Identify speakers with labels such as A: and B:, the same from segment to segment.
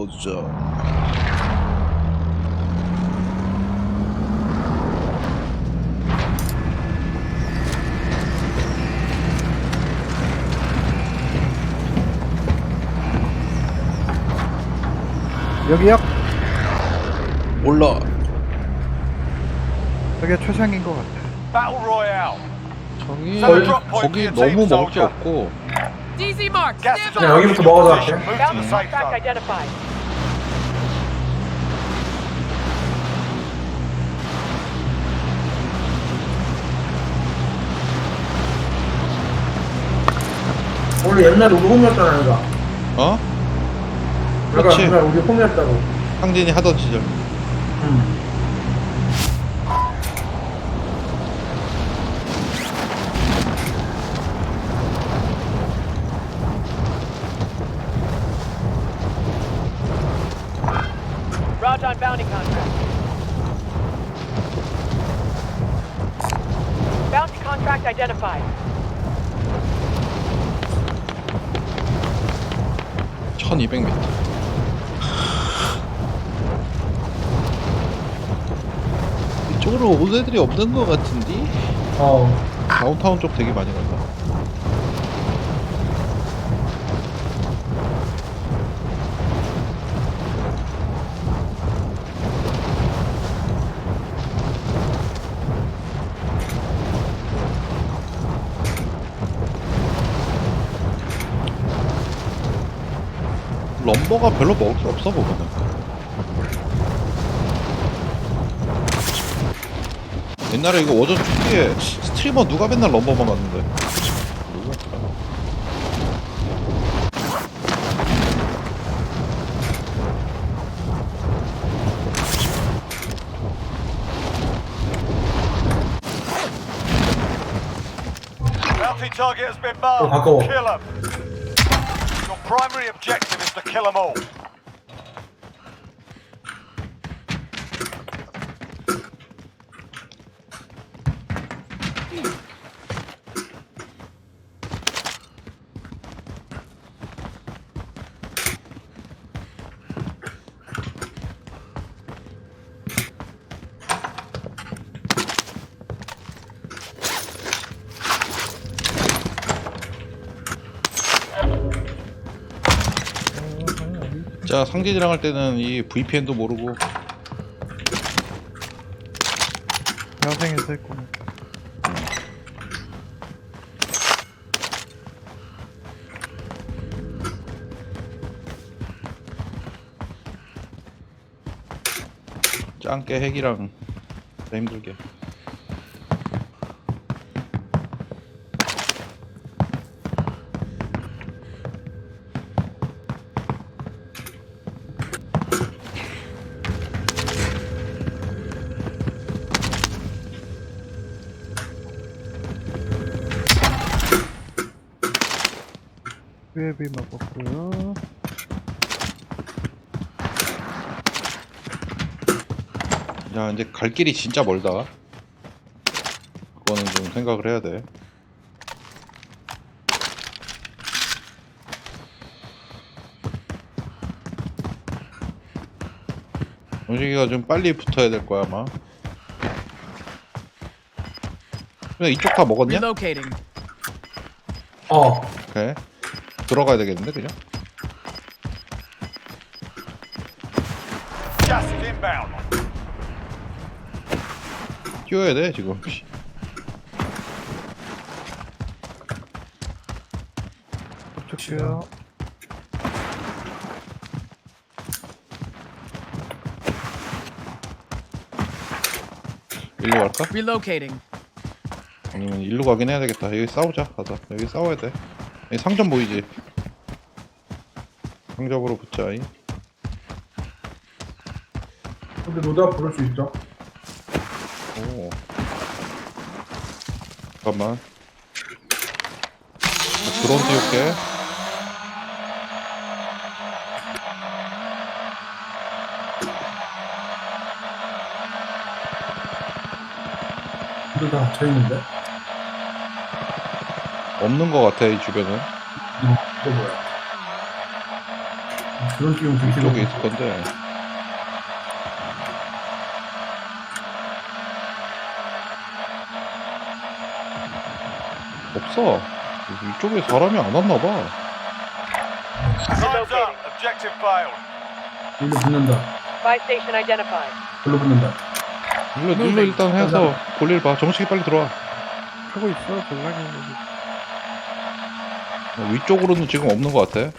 A: 보여주죠.
B: 여기요?
A: 몰라.
B: 여기가 최상인 것 같아.
C: Battle Royale.
A: 저기
C: 거의-
A: 거기 너무 먹을 게 없고.
D: DZ marked.
C: Gas
D: Stand
C: is
D: by.
C: on
E: 여기부터
C: your
E: 먹어서
C: position.
E: 할게.
C: Move to the
D: Bounty
C: safe
D: contract
C: zone.
D: identified.
E: 원래 옛날에 우리 홈이었잖아, 여기가.
A: 어?
E: 여기가
A: 그렇지.
E: 옛날에 우리 홈이었다고.
A: 상진이 하던 시절.
E: 응.
D: Roger on bounty contract. Bounty contract identified.
A: 1200m. 이쪽으로 온 애들이 없는 것 같은데? 다운타운 쪽 되게 많이 간다. 럼버가 별로 먹을 게 없어 보면은. 옛날에 이거 워전 초기에 스트리머 누가 맨날 럼버만 갔는데. 누구였더라?
C: Bounty target has been marked.
E: 가까워.
C: Kill them. Your primary objective is to kill them all.
A: 자, 상진이랑 할 때는 이 VPN도 모르고
B: 야생에서 했구나.
A: 짱깨 핵이랑 더 힘들게.
B: UAV 먹었고요.
A: 야, 이제 갈 길이 진짜 멀다. 그거는 좀 생각을 해야 돼. 영식이가 좀 빨리 붙어야 될 거야 아마. 그냥 이쪽 다 먹었냐?
D: Relocating.
A: 오케이. 들어가야 되겠는데 그냥?
C: Gas is inbound.
A: 뛰어야 돼 지금.
B: 접촉해요.
A: 일로 갈까?
D: Relocating.
A: 아니면 일로 가긴 해야 되겠다. 여기 싸우자. 가자. 여기 싸워야 돼. 여기 상점 보이지? 상점으로 붙자.
E: 근데 로드아 부를 수 있어?
A: 오. 잠깐만. 드론 띄울게.
E: 근데 다 닫혀있는데?
A: 없는 것 같아 이 주변은.
E: 이거 뭐야? 드론 띄우면 되게
A: 이쪽에
E: 길어.
A: 있을 건데. 없어. 이쪽에 사람이 안 왔나 봐.
C: Time's up. Objective failed.
E: 일로 붙는다.
D: Buy station identified.
E: 일로 붙는다.
A: 일로 일단 해서 볼일 봐. 정식이 빨리 들어와.
B: 하고 있어, 볼락이.
A: 위쪽으로는 지금 없는 것 같아.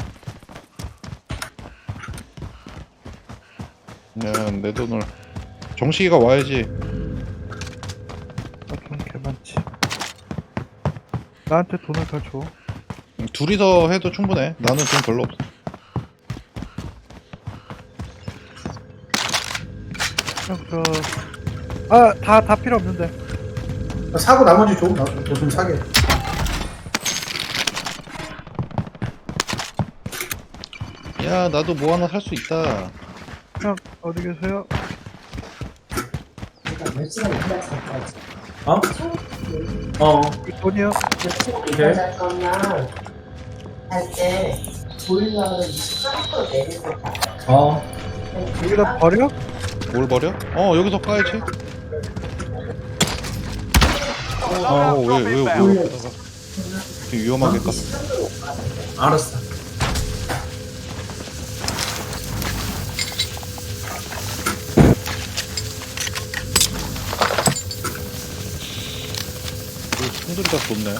A: 그냥 내 돈을 정식이가 와야지.
B: 나돈 개많지. 나한테 돈을 더 줘.
A: 둘이서 해도 충분해. 나는 돈 별로 없어.
B: 다 필요 없는데.
E: 사고 나머지 줘. 나좀 사게.
A: 야, 나도 뭐 하나 살 수 있다.
B: 형, 어디 계세요?
E: 어? 어.
B: 돈이요?
E: 오케이.
F: 할 거면 할때 보일러를 28% 내리고 가.
E: 어.
B: 여기다 버려?
A: 뭘 버려? 여기서 까야지. 왜 여기다가 되게 위험하게 깠어.
E: 알았어.
A: 손들이 다 좋네.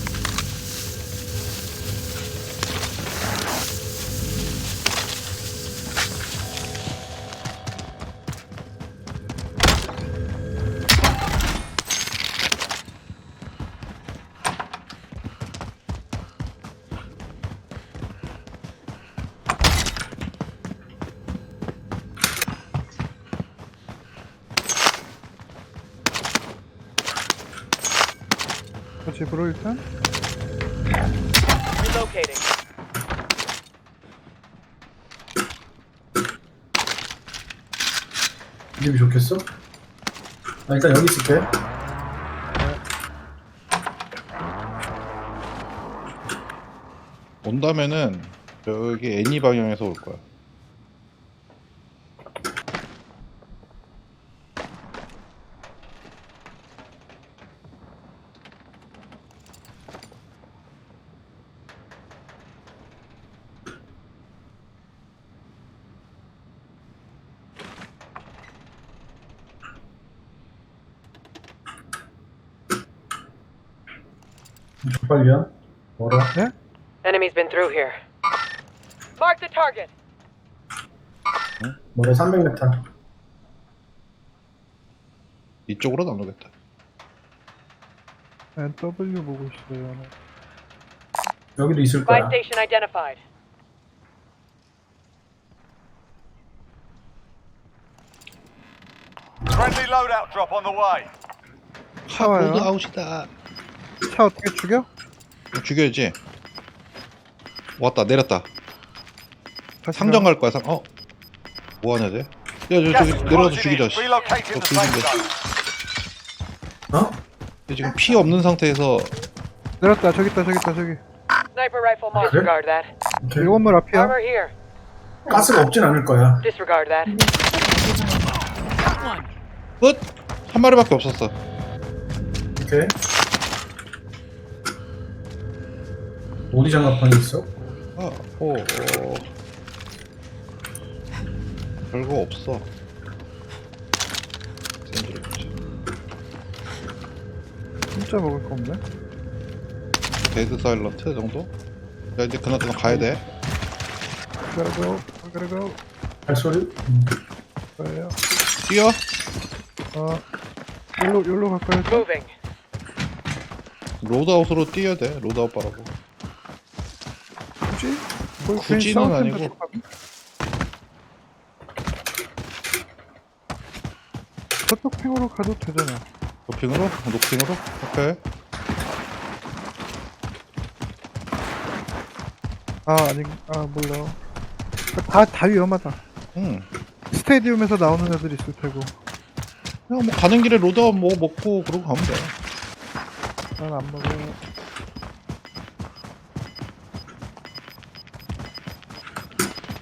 B: 집으로 일단.
D: Relocating.
E: 이 집이 좋겠어? 일단 여기 있을게.
A: 온다면은 여기 애니 방향에서 올 거야.
E: 족발이야? 뭐라?
B: 네?
D: Enemy's been through here. Mark the target.
E: 뭐라 300m.
A: 이쪽으로는 안 오겠다.
B: NW 보고 있어요.
E: 여기도 있을
D: Buy
E: 거야.
D: station identified.
C: Friendly loadout drop on the way.
B: 차와요.
A: 로드 아웃이다.
B: 차 어떻게 죽여?
A: 죽여야지. 왔다 내렸다.
B: 다시
A: 상점 갈 거야. 뭐 하냐 쟤? 야 저기
C: Gas is
A: 내려가서
C: closing
A: 죽이자.
C: in.
A: 씨.
C: Relocating the safe
A: 죽이자.
C: zone.
E: 어?
A: 얘 지금 피 없는 상태에서
B: 내렸다. 저기 있다. 저기.
D: Sniper rifle mark.
E: Okay.
D: Disregard that.
E: 오케이.
B: 이 건물 앞이야.
D: Armor here.
E: 가스가 없진 않을 거야.
D: Disregard that.
A: 끝! 한 마리밖에 없었어.
E: 오케이. 어디 장갑판이 있어?
A: 별거 없어. 샌드를 보자.
B: 진짜 먹을 거 없네.
A: 데드 사일런트 정도? 야 이제 그나저나 가야 돼.
B: gotta go.
E: 발소리?
B: 가요.
A: 뛰어.
B: 여기로 갈까요?
D: Moving.
A: 로드아웃으로 뛰어야 돼. 로드아웃 바라고.
B: 굳이? 거기
A: 굳이는
B: 괜히
A: 아니고.
B: 싸울 텐데 가면? 저쪽 핑으로 가도 되잖아.
A: 노핑으로? 노핑으로? 오케이.
B: 몰라. 다 위험하다.
A: 응.
B: 스테디움에서 나오는 애들 있을 테고.
A: 그냥 뭐 가는 길에 로드아웃 뭐 먹고 그러고 가면 돼.
B: 난 안 먹어.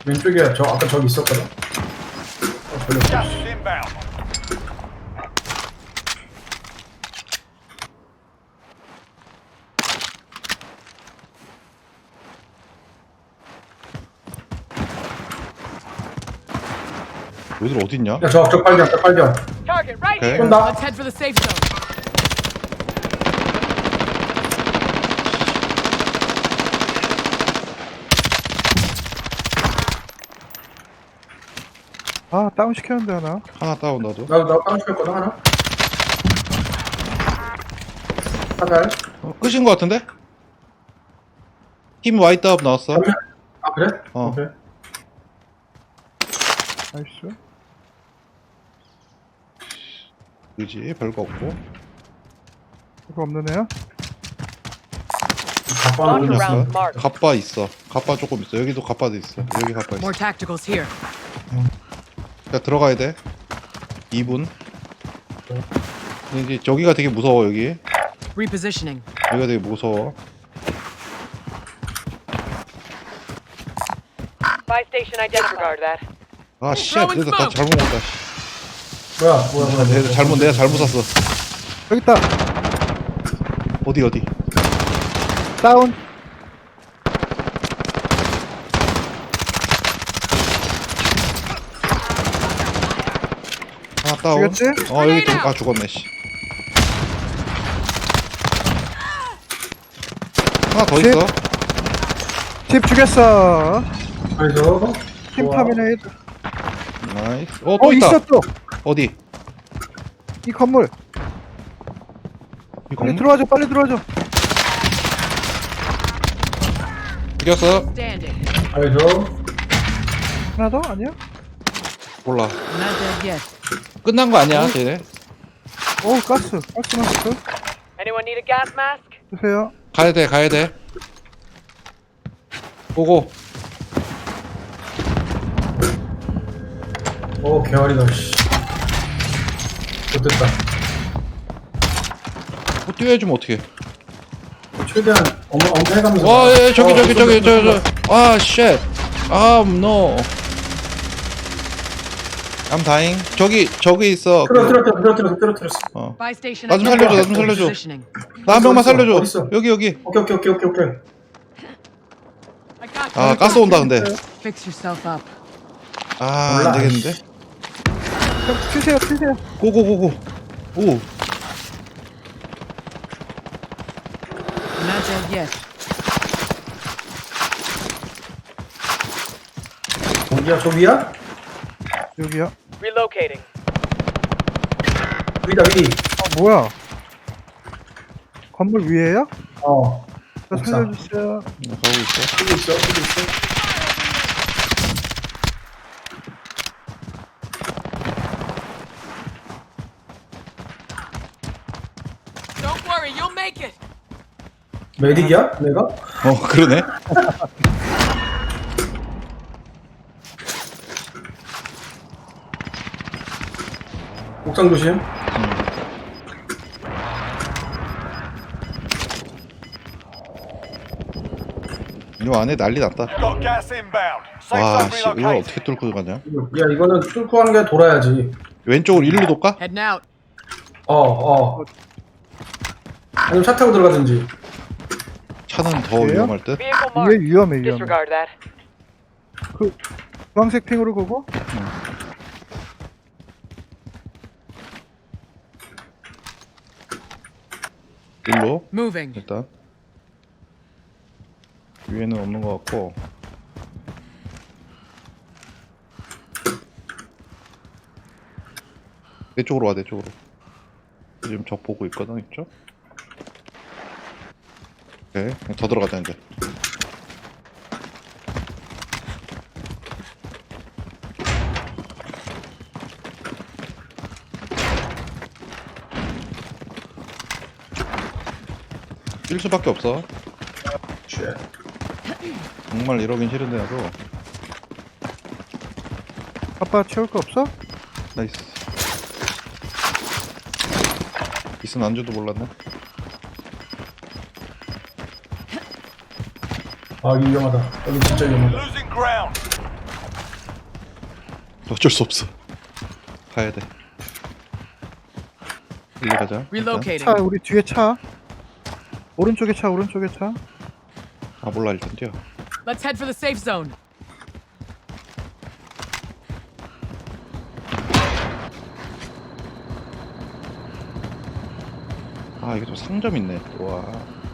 E: 왼쪽에 저 아까 저기 있었거든. 별로 없어.
C: Gas is inbound.
A: 너희들 어딨냐?
E: 야, 저 빨견, 저 빨견.
D: Target right
A: Okay.
D: here.
E: 쏜다.
D: Let's head for the safe zone.
B: 아 다운 시켰는데 하나.
A: 하나 다운 나도.
E: 나 다운 시켰거든, 하나. 하달.
A: 끝인 거 같은데? 팀 와이드업 나왔어.
E: 아, 그래?
A: 어.
E: 오케이.
B: 나이스.
A: 그지 별거 없고.
B: 이거 없는 애야?
E: 가빠는
D: Round
A: 있어.
D: mark.
A: 갑바 있어. 갑바 조금 있어. 여기도 갑바도 있어. 여기 갑바 있어.
D: More tacticals here.
A: 자 들어가야 돼. 2분. 이제 저기가 되게 무서워 여기.
D: Repositioning.
A: 여기가 되게 무서워.
D: Buy station identified. Disregard that.
A: 아 씨, 내가 다 잘못 먹었다. 씨.
E: 뭐야.
A: 내가 잘못 샀어.
B: 여기 있다.
A: 어디?
B: 다운.
A: 하나 다운.
B: 죽였지?
A: 여기 죽었네 씨. 하나 더
B: 집.
A: 있어.
B: 집 죽였어.
E: 그래서
B: 팀 터미네이트.
A: 나이스. 또 있다.
B: 있어 또.
A: 어디?
B: 이 건물.
A: 이
B: 빨리
A: 건물?
B: 빨리 들어와줘.
A: 죽였어.
D: Standing.
E: 그래서
B: 하나 더? 아니야?
A: 몰라.
D: Not dead yet.
A: 끝난 거 아니야, 쟤네.
B: 가스 마스크.
D: Anyone need a gas mask?
B: 주세요.
A: 가야 돼. 보고.
E: 개활이다. 씨. 못됐다.
A: 뭐 뛰어야주면 어떡해.
E: 최대한 엄폐해가면서.
A: 와, 저기. 아, 쉣. no. I'm dying. 저기 있어.
E: 떨어뜨렸어.
D: Buy station
A: 나 좀 살려줘,
D: identified.
A: 나 좀 살려줘.
D: Positioning.
A: 나 한 명만 살려줘.
E: 어딨어?
A: 여기.
E: 오케이.
D: I got
A: 아, 가스 온다, 근데.
D: Fix yourself up.
A: 아,
E: 몰라.
A: 안 되겠는데?
B: 형 튀세요.
A: 고고고고. 오.
D: Not dead yet.
E: 어디야? 저 위야?
B: 여기야.
D: Relocating.
E: 위다, 위.
B: 뭐야? 건물 위에요? 저
E: 옥상.
B: 살려주세요.
A: 나 가고 있어.
E: 여기 있어.
D: Don't worry, you'll make it.
E: 메딕이야? 내가?
A: 그러네.
E: 옥상 조심.
A: 이 안에 난리 났다.
C: Got gas inbound. Safe
A: 와,
C: zone
A: 씨, 이걸
C: relocated.
A: 어떻게 뚫고 가냐?
E: 야, 이거는 뚫고 한 게 돌아야지.
A: 왼쪽으로 일로 돌까?
D: Heading out.
E: 아니면 차 타고 들어가든지.
A: 차는 더
B: 그래요?
A: 위험할 듯.
D: Vehicle
B: 위에
D: marked.
B: 위험해.
D: Disregard that.
B: 주황색 핑으로 보고.
A: 일로
D: Moving.
A: 일단 위에는 없는 것 같고. 내 쪽으로 와, 내 쪽으로. 지금 적 보고 있거든, 이쪽. 오케이, 더 들어가자 이제. 뛸 수밖에 없어.
E: 쉣.
A: 정말 이러긴 싫은데 나도.
B: 아빠 채울 거 없어?
A: 나이스. 있으면 안 줘도 몰랐네.
E: 아, 여기 위험하다. 여기 진짜 위험하다.
C: Losing ground.
A: 어쩔 수 없어. 가야 돼. 일로 가자. 일단.
G: Relocating.
B: 차 우리 뒤에 차. 오른쪽에 차 오른쪽에 차.
A: 아 몰라 일단 뛰어.
G: Let's head for the safe zone.
A: 아 이게 또 상점 있네. 와.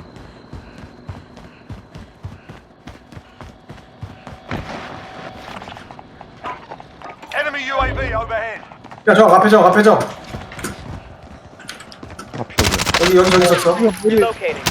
C: Enemy UAV overhead.
E: 야, 저 앞에 저 앞에 저.
A: 앞이
E: 여기
A: 어디야?
E: 여기 저기 있었어.
D: Relocating.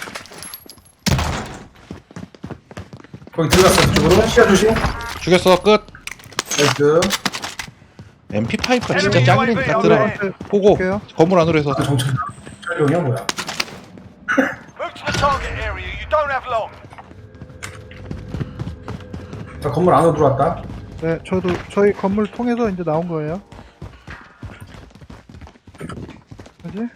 E: 거기 들어갔어. 그쪽으로. 시야 조심.
A: 죽였어 끝.
E: 나이스.
A: MP5가 진짜
C: Enemy
A: 짱이라니까
C: UAV
A: 들어가.
C: overhead.
A: 보고
B: 볼게요.
A: 건물 안으로 해서.
E: 그 정찰. 촬영이야 뭐야?
C: Move to the target area. You don't have long.
E: 자, 건물 안으로 들어왔다.
B: 네, 저도 저희 건물 통해서 이제 나온 거예요. 뭐지?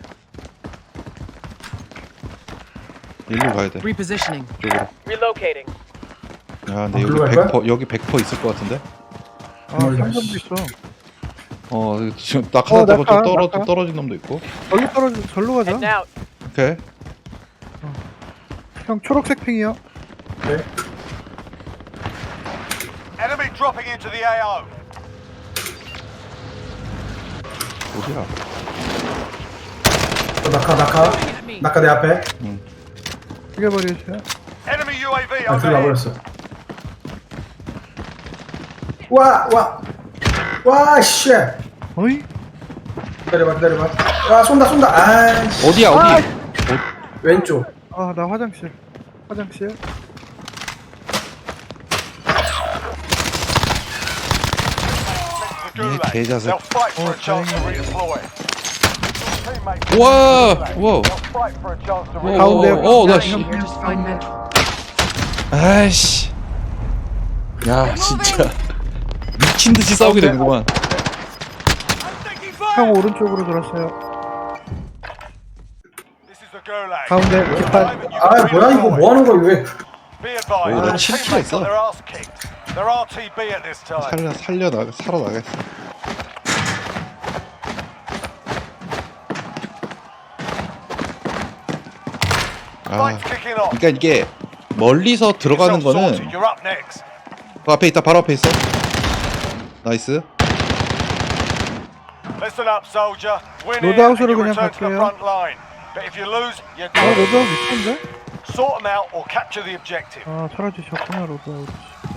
A: 일로 가야 돼.
G: Repositioning.
A: 이쪽으로.
D: Relocating.
A: 야 근데
E: 글로
A: 여기
E: 갈
A: 100% 여기 100% 있을 것 같은데.
B: 아,
E: 건물
B: 상점도
E: 씨.
B: 있어.
A: 지금 낙하다고
B: 낙하,
A: 좀
B: 낙하.
A: 떨어진 놈도 있고.
B: 절로 가자.
D: Heading out.
A: 오케이.
B: 형 초록색 핑이요.
E: 네.
C: Enemy dropping into the AO.
A: 어디야?
E: 저 낙하.
G: At me.
E: 낙하 내 앞에.
B: 죽여버리세요.
C: Enemy UAV
E: 아, 들어가
C: overhead.
E: 버렸어. 와, 씨.
B: 어이?
E: 기다려봐. 아, 쏜다. 아이씨.
A: 어디야 어디?
E: 왼쪽.
B: 아, 나 화장실.
C: The Gulag.
A: 개자식.
C: They'll fight for a chance to redeploy. Your teammates
A: 우와,
C: will
A: 우와.
C: They'll fight for a chance to
A: 우와.
C: redeploy.
A: 나 씨. 아이씨. 야 진짜 미친 듯이 싸우게 되는구만.
B: 형 오른쪽으로 돌았어요.
C: This is the Gulag.
B: 가운데 깃발.
E: 아, 뭐야 이거 뭐 하는 거야 왜?
C: Be advised,
A: 오, 나
C: your
A: 칠킬
C: teammates
A: 했어.
C: got their ass kicked. They're RTB at this time.
A: 살아 나겠어. 아,
C: Fight's kicking off.
A: 그러니까 이게 멀리서 들어가는
C: Yourself
A: 거는
C: sorted. You're up next.
A: 그 앞에 있다, 바로 앞에 있어. 나이스.
C: Listen up, soldier. Win here and
B: 로드아웃으로
C: you
B: 그냥
C: return to the
B: 갈게요.
C: front line. But if you lose, you're
B: 아,
C: done.
B: 로드 미친데?
C: Sort them out or capture the objective.
B: 아, 사라지셨구나, 로드 아웃.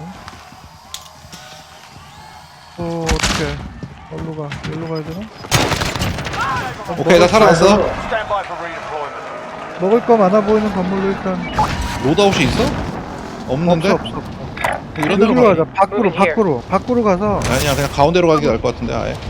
B: 어떡해. 어디로 가야 되나?
A: 오케이, 나 살아났어.
C: Stand by for redeployment.
B: 먹을 거 많아 보이는 건물로 일단.
A: 로드아웃이 있어? 없는데?
B: 없어.
A: 이런 데로
B: 여기로
A: 가.
B: 가자. 밖으로 가서.
A: 아니야, 그냥 가운데로 가는 게 나을 것 같은데, 아예.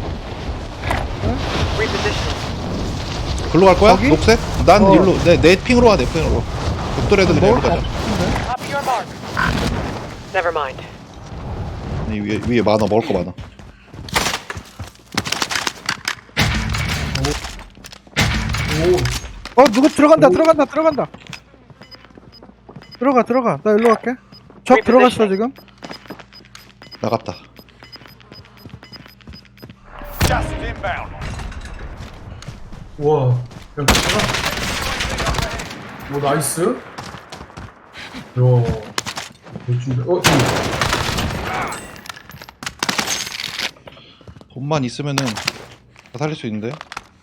D: Repositioning.
A: 글로 갈 거야?
B: 거기?
A: 녹색? 난
B: 어.
A: 일로, 내 핑으로 와, 내 핑으로. 벽돌 애들 내로 가자.
D: Copy your mark. Never mind.
A: 아니, 위에 많아, 먹을 거 많아.
B: 누구 들어간다. 들어가. 나 일로 갈게. 적 들어갔어, 지금.
A: 나갔다.
C: Just inbound.
E: 우와. 그냥 들어가. 오, 나이스. 요. 지금.
A: 돈만 있으면은 다 살릴 수 있는데.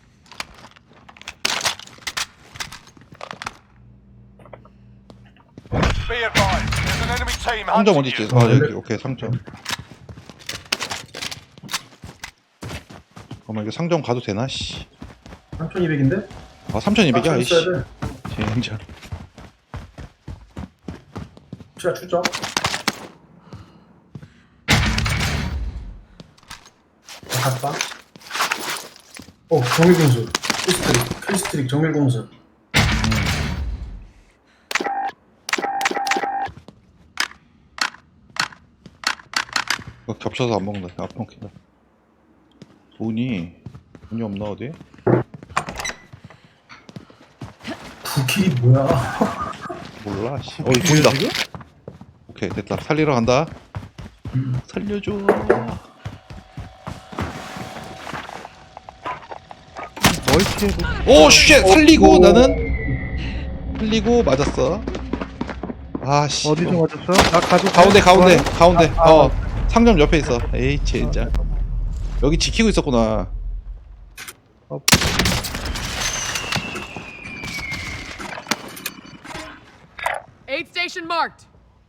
C: Be advised. There's an enemy team
A: 상점
C: hunting
A: 어디 있지?
C: you.
A: 아, 여기, 오케이, 상점. 잠깐만, 이거 상점 가도 되나, 씨.
E: 3,200인데?
A: 아, 3200이야, 이씨.
E: 써야 돼.
A: 젠장.
E: 시야 추적. 갔다. 정밀공수. 크리스트릭 정밀공수.
A: 이거 겹쳐서 안 먹는다. 앞 먹힌다. 돈이 없나, 어디?
E: 부키 뭐야?
A: 몰라, 씨. 이 보인다. 오케이, 됐다. 살리러 간다. 살려줘.
B: 피해도.
A: 오 쉣! 살리고 나는 살리고 맞았어. 아씨.
B: 어디서 맞았어? 나 가지고
A: 가운데 가운데 가운데.
B: 아,
A: 어 상점 옆에 있어. 에이 진짜. 여기 지키고 있었구나.
G: Aid station marked.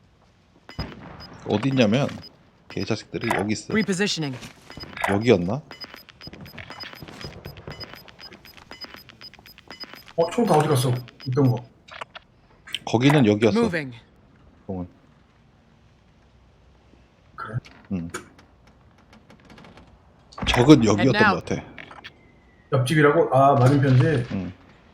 A: 어디 있냐면 개자식들이 여기 있어.
G: Repositioning.
A: 여기였나?
E: 총 다 어디 갔어? 있던 거.
A: 거기는 여기였어.
G: Moving.
A: 공은.
E: 그래?
A: 응. 적은 여기였던
G: now.
A: 것 같아.
E: 옆집이라고? 아, 맞은편지?
A: 응.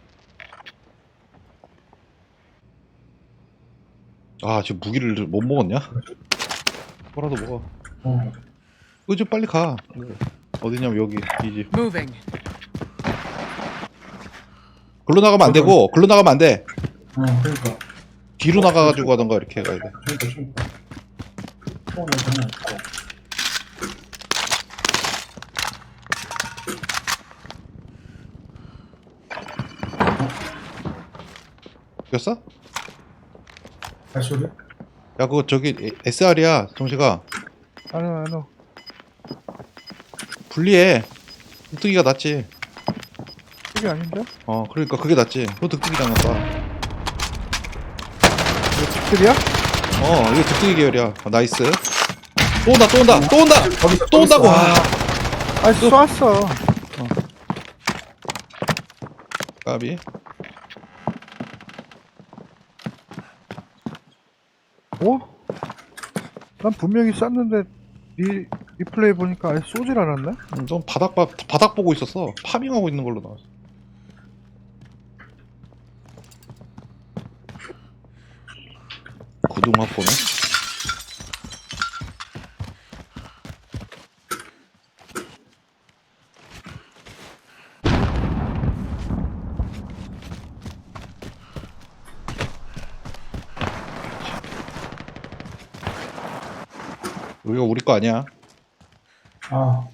A: 아 지금 무기를 못 먹었냐? 뭐라도 먹어.
E: 어.
A: 이제 빨리 가. 어디냐면 여기 이 집.
G: Moving.
A: 글로 나가면 안 되고 글로 나가면 안 돼.
E: 그러니까.
A: 뒤로 나가가지고 가던가 이렇게 가야 돼.
E: 그러니까. 총은 장난 아니고.
A: 죽였어?
E: 발소리?
A: 야 그거 저기 SR이야 정식아.
B: 아니요.
A: 분리해. 득득이가 낫지.
B: 이게 아닌데?
A: 어 그러니까 그게 낫지. 너 득득이랑 봐.
B: 이거 집들이야?
A: 어 이거 득득이 계열이야. 나이스. 또 온다 또 온다 또 온다 또 온다고.
B: 아니 쏘았어.
A: 까비.
B: 어? 난 분명히 쐈는데 리플레이 보니까 아예 쏘질 않았네?
A: 넌 바닥 보고 있었어. 파밍하고 있는 걸로 나왔어. 구둥 확보네. 여기가 우리 거 아니야.
E: 아.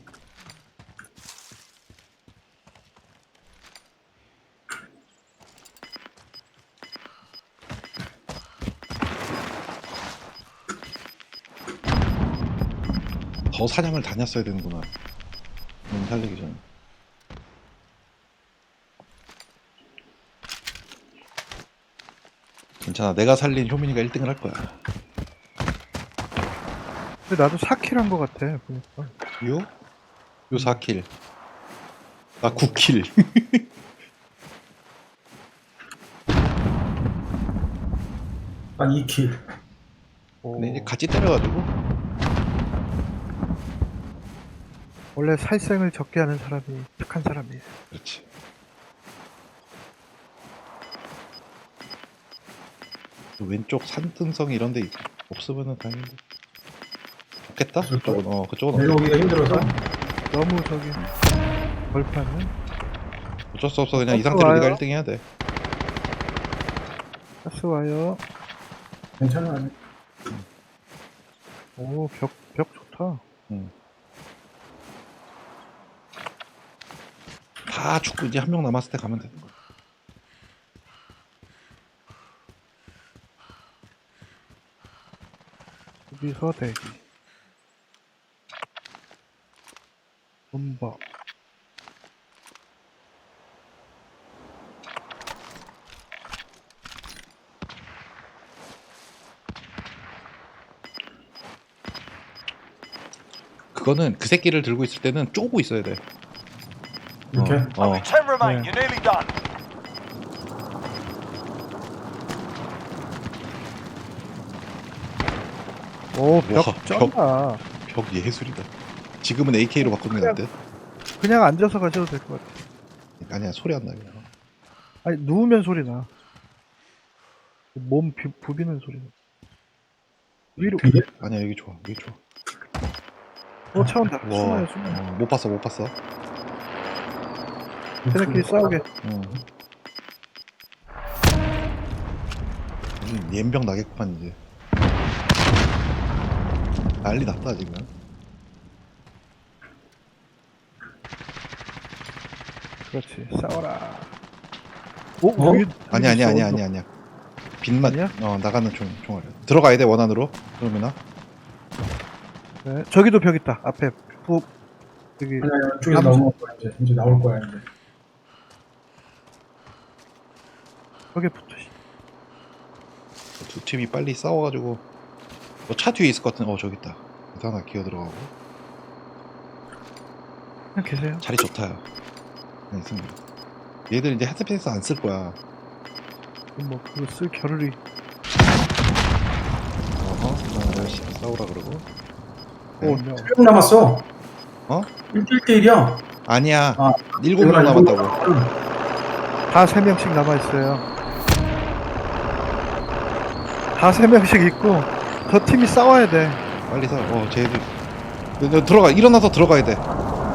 A: 더 사냥을 다녔어야 되는구나. 살리기 전에. 괜찮아. 내가 살린 효민이가 1등을 할 거야.
B: 근데 나도 4킬 한 거 같아 보니까.
A: 요 4킬. 나 9킬.
E: 한 2킬.
A: 근데 이제 같이 때려가지고.
B: 원래 살생을 적게 하는 사람이 착한 사람이에요.
A: 그렇지. 왼쪽 산등성 이런 데 없으면은 다행인데. 없겠다? 그쪽은 그쪽은 없겠다.
E: 내려오기가 힘들어서.
B: 너무 저기 벌판은
A: 어쩔 수 없어. 그냥 이 상태로
B: 와요?
A: 네가 1등 해야 돼.
B: 가스 와요.
E: 괜찮아.
B: 오 벽 좋다.
A: 다 죽고 이제 한 명 남았을 때 가면 되는 거야.
B: 여기서 대기. 음박.
A: 그거는 그 새끼를 들고 있을 때는 쪼고 있어야 돼.
E: 이렇게?
C: Only 10 remain.
B: Yeah.
C: You're nearly done.
B: 오 벽
A: 와,
B: 쩐다.
A: 벽 예술이다. 지금은 AK로 바꾸는 게 안 돼?
B: 그냥 앉아서 가셔도 될 것 같아.
A: 아니야 소리 안 나게.
B: 아니 누우면 소리 나. 몸 부비는 소리 나. 위로.
A: 아니야 여기 좋아 여기 좋아.
B: 차 온다.
A: 와,
B: 숨어요.
A: 못 봤어.
B: 걔네끼리 싸우게.
A: 연병 나겠구만 이제. 난리 났다 지금.
B: 그렇지. 싸워라. 오,
E: 어?
B: 여기
A: 아니야
B: 있어.
A: 아니야. 빛만
B: 아니야?
A: 나가는 총알. 들어가야 돼 원안으로. 그러면은
B: 네, 저기도 벽 있다. 앞에 여기
E: 아니야, 이쪽에서 나올 거야, 이제 나올 거야, 이제.
B: 벽에 붙어.
A: 두 팀이 빨리 싸워가지고 차 뒤에 있을 것 같은. 저기 있다. 그래서 하나 기어 들어가고.
B: 그냥 계세요.
A: 자리 좋다. 네, 있습니다. 얘들 이제 헤드패스 안 쓸 거야.
B: 뭐 그거 쓸 겨를이.
A: 열심히 싸우라 그러고.
B: 오, 네.
E: 1명 남았어.
A: 어?
E: 1대1이야.
A: 아니야.
E: 아,
A: 7명 남았다고.
B: 다 3명씩 남아 있어요. 다 3명씩 있고 저 팀이 싸워야 돼.
A: 빨리 사. 쟤들. 너 들어가. 일어나서 들어가야 돼.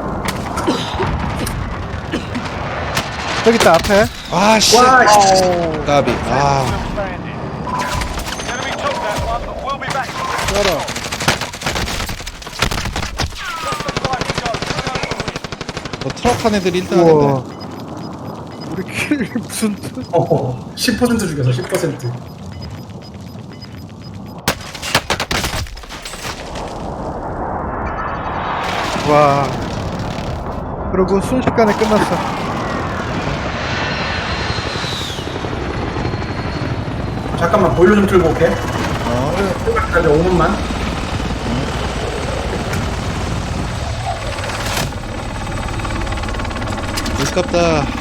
B: 저기 있다 앞에.
A: 아 씨.
E: 와, 씨.
A: 까비. 아.
C: Standing. The enemy took that one, but we'll be back.
B: 열어.
A: 트럭 한 애들이 1등
B: 우와.
A: 하는데.
B: 우리 킬 무슨 뜻?
E: 10% 죽여서 10%.
B: 와. 그리고 순식간에 끝났어.
E: 잠깐만, 보일러 좀 틀고 올게. 기다려, 5분만.
A: 아깝다.